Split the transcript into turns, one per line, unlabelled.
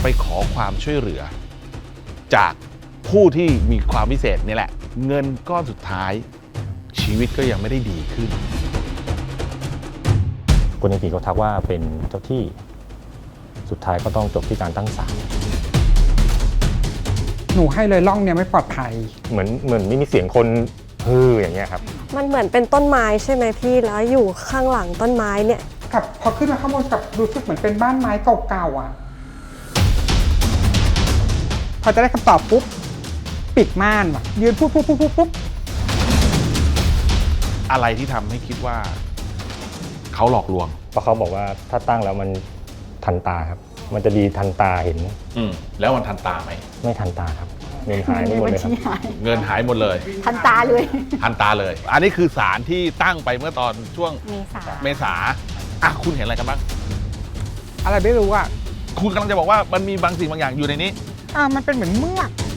ขอความช่วยเหลือ จากผู้ที่มีความพิเศษนี่แหละเงินก้อนสุดท้ายชีวิตก็ยังไม่ได้ดีขึ้น
คนในผีเขาทักว่าเป็นเจ้าที่สุดท้ายก็ต้องจบที่การตั้งศาล
หนูให้เลยร่องเนี่ยไม่ปลอดภัย
เหมือนไม่มีเสียงคนฮืออย่างเงี้ยครับ
มันเหมือนเป็นต้นไม้ใช่ไหมพี่แล้วอยู่ข้างหลังต้นไม้เนี่ย
กับพอขึ้นมาข้างบนกับรู้สึกเหมือนเป็นบ้านไม้เก่าๆอ่ะ พอจะได้คำตอบปุ๊บ ปิดม่านว่ะยืนปุ๊บ
อะไรที่ทำให้คิดว่าเขาหลอกลวง
เพราะเขาบอกว่าถ้าตั้งแล้วมันทันตาครับ มันจะดีทันตาเห็น
แล้วมันทันตาไหม
ไม่ทันตาครับเงินหายหมดเลยครับ
เงินหายหมดเลย
ทันตาเลย
ทันตาเลย อันนี้คือสารที่ตั้งไปเมื่อตอนช่วง
เมษา
อ่ะคุณเห็นอะไรกันบ้าง
ๆอะไรไม่รู้อ่ะ
คุณกำลังจะบอกว่ามันมีบางสิ่งบางอย่างอยู่ในนี้
มันเป็นเหมือนเมือก